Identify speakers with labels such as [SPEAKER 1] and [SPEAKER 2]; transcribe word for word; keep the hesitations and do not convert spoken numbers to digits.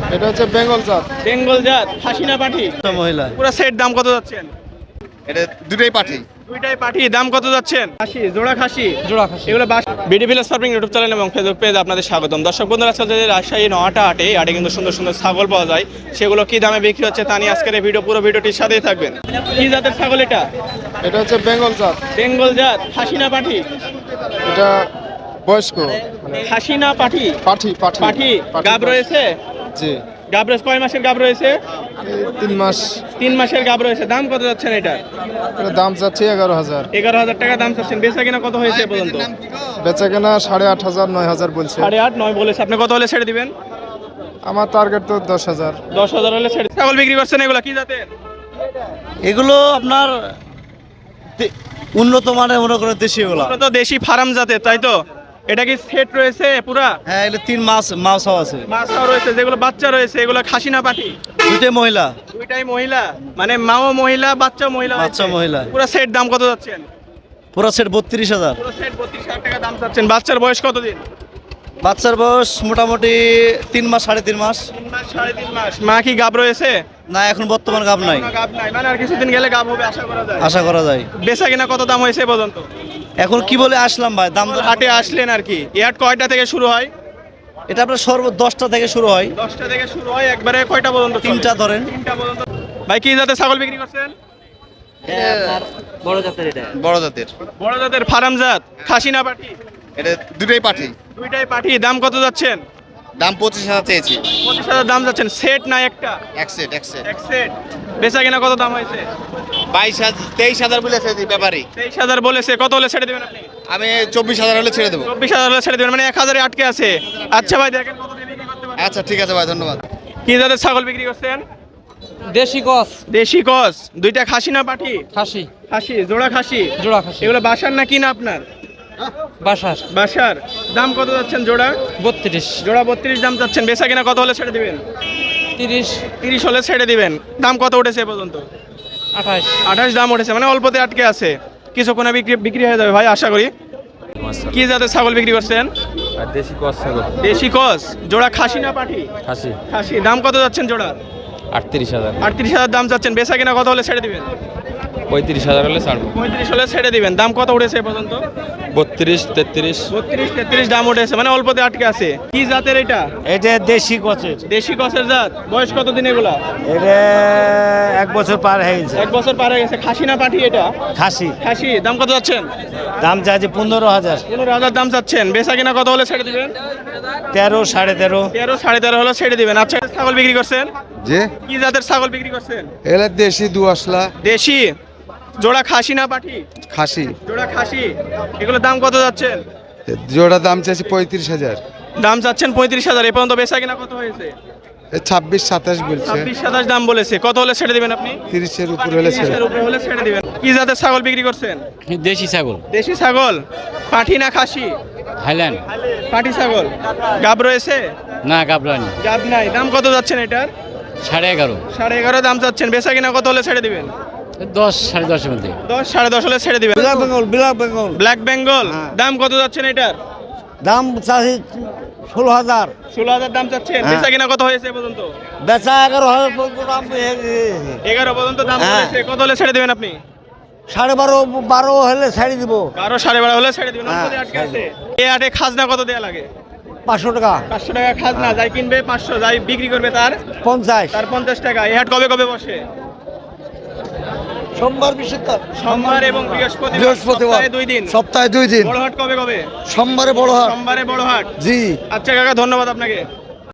[SPEAKER 1] এটা হচ্ছে বেঙ্গল জাত।
[SPEAKER 2] বেঙ্গল জাত, খাসি না পাঠি?
[SPEAKER 1] মহিলা।
[SPEAKER 2] পুরো সেট দাম কত যাচ্ছেন?
[SPEAKER 1] এটা দুটোই পাঠি।
[SPEAKER 2] দুইটাই পাঠি, দাম কত যাচ্ছেন? খাসি, জোড়া খাসি।
[SPEAKER 3] জোড়া খাসি।
[SPEAKER 2] এগুলো বাস BD village farming YouTube channel এবং ফেসবুক পেজ আপনাদের স্বাগতম। দর্শক বন্ধুরা, আজকে যে রাজশাহী নহাটা হাটে হাটে কিন্তু সুন্দর সুন্দর ছাগল পাওয়া যায়, সেগুলো কি দামে বিক্রি হচ্ছে তা নিয়ে আজকের এই ভিডিও, পুরো ভিডিওটির সাথেই থাকবেন। কি জাতের ছাগল এটা?
[SPEAKER 1] এটা হচ্ছে বেঙ্গল জাত।
[SPEAKER 2] বেঙ্গল জাত, খাসি না পাঠি?
[SPEAKER 1] এটা বয়স্ক মানে
[SPEAKER 2] খাসি না পাঠি?
[SPEAKER 1] পাঠি পাঠি
[SPEAKER 2] পাঠি। গাব রয়েছে?
[SPEAKER 1] জি।
[SPEAKER 2] গাব রয়েছে, কয় মাসের গাব রয়েছে?
[SPEAKER 1] এই তিন মাস।
[SPEAKER 2] তিন মাসের গাব রয়েছে। দাম কত যাচ্ছেন এটা?
[SPEAKER 1] এটা দাম যাচ্ছে এগারো হাজার।
[SPEAKER 2] এগারো হাজার টাকা দাম চাচ্ছেন। বেচা কিনা কত হয়েছে এ পর্যন্ত?
[SPEAKER 1] বেচা কেনা সাড়ে আট হাজার নয় হাজার বলছে।
[SPEAKER 2] সাড়ে আট নয় বলেছে। আপনি কত হলে ছেড়ে দিবেন?
[SPEAKER 1] আমার টার্গেট তো দশ হাজার।
[SPEAKER 2] দশ হাজার হলে ছেড়ে। ছাগল বিক্রি করছেন, এগুলো কি জাতের?
[SPEAKER 3] এগুলো আপনার দে- উন্নত মানের মনে করেন দেশি এগুলো।
[SPEAKER 2] এগুলো তো দেশি ফার্ম জাতের, তাই তো? এটা কি সেট রয়েছে পুরা?
[SPEAKER 3] হ্যাঁ, এগুলো তিন মাস মাছও আছে।
[SPEAKER 2] মাছটাও রয়েছে, যেগুলো বাচ্চা রয়েছে এগুলো খাসি না পাঠি?
[SPEAKER 3] দুইটাই মহিলা।
[SPEAKER 2] দুইটাই মহিলা, মানে মাও মহিলা বাচ্চা মহিলা।
[SPEAKER 3] বাচ্চা মহিলা।
[SPEAKER 2] পুরো সেট দাম কত যাচ্ছেন?
[SPEAKER 3] পুরো সেট বত্রিশ হাজার।
[SPEAKER 2] পুরো সেট বত্রিশ হাজার টাকা দাম চাচ্ছেন। বাচ্চার বয়স কতদিন?
[SPEAKER 3] বাচ্চার বয়স মোটামুটি তিন মাস সাড়ে তিন মাস।
[SPEAKER 2] তিন মাস সাড়ে তিন মাস। মা কি গাব রয়েছে?
[SPEAKER 3] না, এখন বর্তমান গাব নাই।
[SPEAKER 2] এখনো গাব নাই, মানে আর কিছুদিন গেলে গাব হবে আশা করা যায়।
[SPEAKER 3] আশা করা যায়।
[SPEAKER 2] বেচা কিনা কত দাম হয়েছে এ পর্যন্ত?
[SPEAKER 3] এখন কি বলে আসলাম ভাই, দাম দর
[SPEAKER 2] হাটে আসলেন আর কি। এই হাট কয়টা থেকে শুরু হয়?
[SPEAKER 3] এটা আপনার সর্ব দশটা থেকে শুরু হয়।
[SPEAKER 2] দশটা থেকে শুরু হয়, একবারে কয়টা পর্যন্ত চলে?
[SPEAKER 3] তিনটা ধরেন।
[SPEAKER 2] তিনটা পর্যন্ত। ভাই কি জাতের ছাগল বিক্রি করছেন?
[SPEAKER 3] বড় জাতের এটা।
[SPEAKER 1] বড় জাতের।
[SPEAKER 2] বড় জাতের ফার্ম জাত, খাসি না পাঠি?
[SPEAKER 1] এটা দুটোই পাঠি।
[SPEAKER 2] দুইটাই পাঠি। দাম কত যাচ্ছেন?
[SPEAKER 1] দাম পঁচিশ হাজার চেয়েছি।
[SPEAKER 2] পঁচিশ হাজার দাম যাচ্ছেন। সেট না একটা?
[SPEAKER 1] এক সেট এক সেট।
[SPEAKER 2] এক সেট। বেচা কিনা কত দাম হয়েছে?
[SPEAKER 1] বাইশ হাজার তেইশ হাজার বলেছে ব্যাপারী।
[SPEAKER 2] তেইশ হাজার বলেছে। কত হলে ছেড়ে দেবেন আপনি?
[SPEAKER 1] আমি চব্বিশ হাজার হলে ছেড়ে দেবো।
[SPEAKER 2] চব্বিশ হাজার হলে ছেড়ে দেবেন, মানে এক হাজারে আটকে আছে। আচ্ছা ভাই, দেখেন কত দিয়ে বিক্রি করতে পারেন।
[SPEAKER 1] আচ্ছা ঠিক আছে ভাই, ধন্যবাদ।
[SPEAKER 2] কি জাতের ছাগল বিক্রি করছেন?
[SPEAKER 3] দেশি কস।
[SPEAKER 2] দেশি কস। দুইটা খাসি না পাঠি?
[SPEAKER 3] খাসি।
[SPEAKER 2] খাসি, জোড়া খাসি।
[SPEAKER 3] জোড়া খাসি।
[SPEAKER 2] এগুলো বাসার না কিনা আপনার?
[SPEAKER 3] বাসার।
[SPEAKER 2] বাসার। দাম কত যাচ্ছেন জোড়া?
[SPEAKER 3] বত্রিশ।
[SPEAKER 2] জোড়া বত্রিশ দাম চাচ্ছেন। বেচা কিনা কত হলে ছেড়ে দিবেন?
[SPEAKER 3] তিরিশ।
[SPEAKER 2] তিরিশ হলে ছেড়ে দিবেন। দাম কত উঠেছে এ পর্যন্ত?
[SPEAKER 3] আঠাশ।
[SPEAKER 2] আঠাশ দাম উঠেছে, মানে অল্পতে আটকে আছে। কিছুক্ষণে বিক্রি বিক্রি হয়ে যাবে ভাই, আশা করি। কি জাতের ছাগল বিক্রি করছেন?
[SPEAKER 4] আর দেশি কস ছাগল
[SPEAKER 2] দেশি কস। জোড়া খাসি না পাঠি?
[SPEAKER 4] খাসি
[SPEAKER 2] খাসি। দাম কত যাচ্ছেন জোড়া?
[SPEAKER 4] আটত্রিশ হাজার
[SPEAKER 2] আটত্রিশ হাজার দাম চাচ্ছেন। বেচা কিনা কত হলে ছেড়ে দিবেন?
[SPEAKER 4] পঁয়ত্রিশ হাজার হলে ছাড়বো।
[SPEAKER 2] পঁয়ত্রিশ হলে ছেড়ে দিবেন। দাম কত উঠেছে এ পর্যন্ত?
[SPEAKER 4] বত্রিশ তেত্রিশ
[SPEAKER 2] বত্রিশ তেত্রিশ দাম উঠেছে, মানে অল্পতে আটকে আছে। কি জাতের এটা?
[SPEAKER 3] এটা দেশি কচের।
[SPEAKER 2] দেশি কসের জাত। বয়স কত দিন এগুলা?
[SPEAKER 3] এটা এক বছর পার হয়ে গেছে।
[SPEAKER 2] এক বছর পার হয়ে গেছে। খাসি না পাঠি এটা?
[SPEAKER 3] খাসি।
[SPEAKER 2] খাসি। দাম কত যাচ্ছেন?
[SPEAKER 3] দাম চাইছে পনেরো হাজার।
[SPEAKER 2] পনেরো হাজার দাম চাচ্ছেন। বেচা কিনা কত হলে ছেড়ে দিবেন?
[SPEAKER 3] তেরো সাড়ে তেরো।
[SPEAKER 2] তেরো সাড়ে তেরো হলে ছেড়ে দিবেন। আচ্ছা, ছাগল বিক্রি করছেন?
[SPEAKER 1] যে
[SPEAKER 2] কি জাতের ছাগল বিক্রি করছেন?
[SPEAKER 1] এলা দেশি দু আসলা।
[SPEAKER 2] দেশি। জোড়া খাসি না পাঠি?
[SPEAKER 1] খাসি।
[SPEAKER 2] জোড়া খাসি। এগুলোর দাম কত যাচ্ছেন?
[SPEAKER 1] জোড়া দাম চাইছি পঁয়ত্রিশ হাজার।
[SPEAKER 2] দাম চাচ্ছেন পঁয়ত্রিশ হাজার। এ পর্যন্ত বেচা কিনা কত হয়েছে?
[SPEAKER 1] ছাব্বিশ সাতাশ বলছে।
[SPEAKER 2] ছাব্বিশ সাতাশ দাম বলেছে। কত হলে ছেড়ে দিবেন আপনি?
[SPEAKER 1] তিরিশের উপর হলে ছেড়ে।
[SPEAKER 2] তিরিশের উপরে হলে ছেড়ে দিবেন। কি জাতের ছাগল বিক্রি করছেন?
[SPEAKER 4] দেশি ছাগল
[SPEAKER 2] দেশি ছাগল। পাঠি না খাসি?
[SPEAKER 4] হাইল্যান্ড
[SPEAKER 2] পাঠি ছাগল। গাব রয়েছে?
[SPEAKER 4] না গাবলানি
[SPEAKER 2] গাব নাই। দাম কত যাচ্ছেন এটার?
[SPEAKER 4] সাড়ে এগারো
[SPEAKER 2] সাড়ে এগারো দাম চাচ্ছেন। বেচা কিনা কত হলে ছেড়ে দিবেন?
[SPEAKER 4] দশ সাড়ে দশের মধ্যে
[SPEAKER 2] দশ সাড়ে দশ হলে ছেড়ে দিবেন।
[SPEAKER 3] Black Bengal. Black Bengal.
[SPEAKER 2] Black Bengal.
[SPEAKER 3] হ্যাঁ।
[SPEAKER 2] দাম কত যাচ্ছেন এটার?
[SPEAKER 3] দাম চাষি ষোলো হাজার।
[SPEAKER 2] ষোলো হাজার দাম চাচ্ছেন।
[SPEAKER 3] হ্যাঁ।
[SPEAKER 2] বেচা কিনা কত হয়েছে এ পর্যন্ত?
[SPEAKER 3] বেচা এগারো হাজার পর্যন্ত দাম হয়ে গেছে।
[SPEAKER 2] এগারো পর্যন্ত দাম
[SPEAKER 3] হ্যাঁ।
[SPEAKER 2] বলেছে। কত হলে ছেড়ে দিবেন আপনি?
[SPEAKER 3] সাড়ে বারো বারো হলে ছাড়ি দিব।
[SPEAKER 2] বারো সাড়ে বারো হলে ছেড়ে দিবেন।
[SPEAKER 3] হ্যাঁ,
[SPEAKER 2] অল্পতে আটকে আছে। এই হাটে খাজনা কত দেয়া লাগে?
[SPEAKER 3] পাঁচশো টাকা।
[SPEAKER 2] পাঁচশো টাকা খাজনা। যাই কিনবে পাঁচশো, যাই বিক্রি করবে তার
[SPEAKER 3] পঞ্চাশ।
[SPEAKER 2] তার পঞ্চাশ টাকা। এই হাট কবে কবে বসে?
[SPEAKER 3] সোমবার বৃহস্পতিবার।
[SPEAKER 2] সোমবার এবং বৃহস্পতিবার।
[SPEAKER 3] বৃহস্পতিবার
[SPEAKER 2] সপ্তাহে দুই দিন।
[SPEAKER 3] সপ্তাহে দুই দিন।
[SPEAKER 2] বড় হাট কবে কবে?
[SPEAKER 3] সোমবারে বড় হাট।
[SPEAKER 2] সোমবারে বড় হাট।
[SPEAKER 3] জি।
[SPEAKER 2] আচ্ছা কাকা, ধন্যবাদ আপনাকে।